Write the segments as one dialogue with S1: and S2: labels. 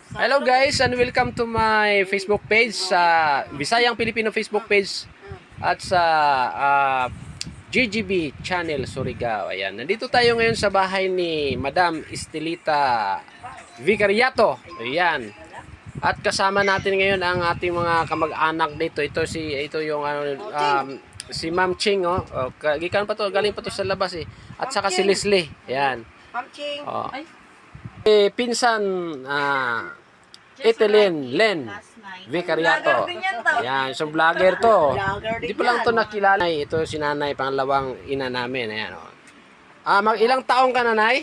S1: Hello guys and welcome to my Facebook page sa Visayang Pilipino Facebook page at sa GGB channel Surigao. Ayan, nandito tayo ngayon sa bahay ni Madam Estelita Vicariato. Ayan. At kasama natin ngayon ang ating mga kamag-anak dito. Ito yung si Ma'am Ching, oh. Galing pa to sa labas eh. At saka si Leslie. Ayan.
S2: Ma'am Ching.
S1: Oh. Pinsan Etelyn Len Vicariato. Ayan, so vlogger to. Hindi pa lang to nakilala. Ito si nanay, pangalawang ina namin. Ayan, oh. Ilang taong ka, nanay?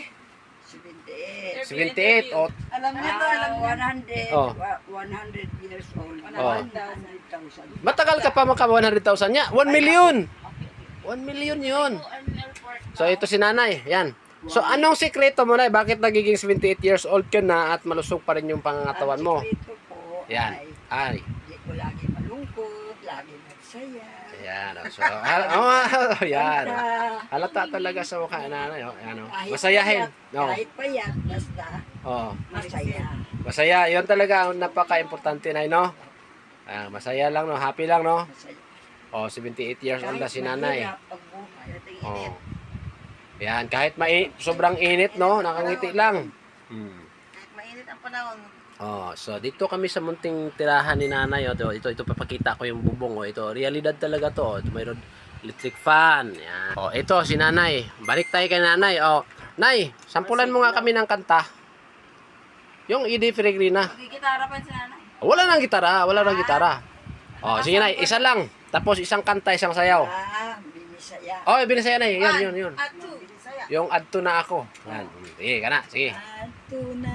S1: 78. Oh.
S2: Alam niyo to, alam niyo.
S3: 100 years old.
S1: Oh.
S3: 100,000.
S1: Matagal ka pa maka 100,000 niya. 1 million. 1 million yun. So ito si nanay. Yan. So anong sikreto mo, nay? Bakit nagiging 78 years old ka na at malusog pa rin yung pangangatawan mo?
S3: Ito po
S1: Yan. Ay.
S3: Hindi ko lagi malungkot, lagi magsaya.
S1: Yan. So, yan. Halata talaga sa mukha nanay. Oh. Yan, oh. Masayahin. No.
S3: Kahit payat, basta
S1: Oh.
S3: masaya.
S1: Masaya. Yun talaga ang napaka-importante, nay, no? Masaya lang, no? Happy lang, no?
S3: Masaya.
S1: Oh, 78 years old na si nanay.
S3: mahirap ang buhay.
S1: Oh. Yan, kahit sobrang init, no? Nakangiti lang.
S2: Mainit ang panahon.
S1: Oh, so dito kami sa munting tirahan ni nanay. Oh. Ito papakita ko yung bubong. Oh. Ito, realidad talaga to. Ito mayroon electric fan. Yan. Oh, ito si nanay. Balik tayo kay nanay. Oh, nay, sampulan mo nga kami ng kanta. Yung Edie Peregrina.
S2: Magigitara pa si nanay.
S1: Wala nang gitara. Oh, sige nay, isa lang. Tapos isang kanta, isang sayaw.
S3: Binisaya.
S1: Oh, binisaya na yun.
S2: At two.
S1: Yung adto na ako. Yan. Sige, kana. Sige.
S3: Ato na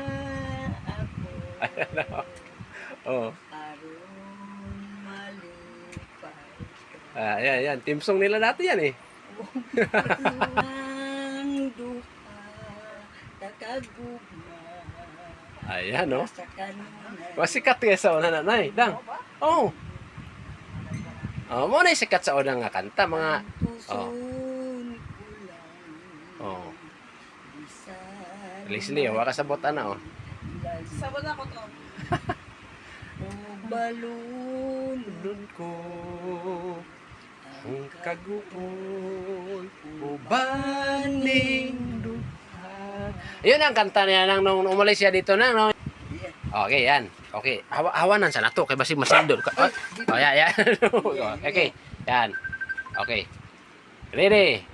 S3: ako.
S1: Oh.
S3: Aron malipay ka.
S1: Yan. Team song nila dati yan eh.
S3: Ang duha, takagugma.
S1: Ayan, no?
S3: Sa kanunay.
S1: Masikat kaya sa una nanay. Dang. Oh. Oh, mo na sikat sa una nga kanta mga
S3: Puson ko lang.
S1: oh.
S3: Bisan
S1: Leslie, wa ka sabot ana oh.
S2: Sabon ako to.
S3: o balon
S1: Nun ko ang kaguol ubaning duha. Yun ang kanta niya nung umalis siya dito na no. Okay, yan. Okay. Hawanan sa nato kay basig masindol ka. Oh, yan. Okay. Yan. Okay. Ready?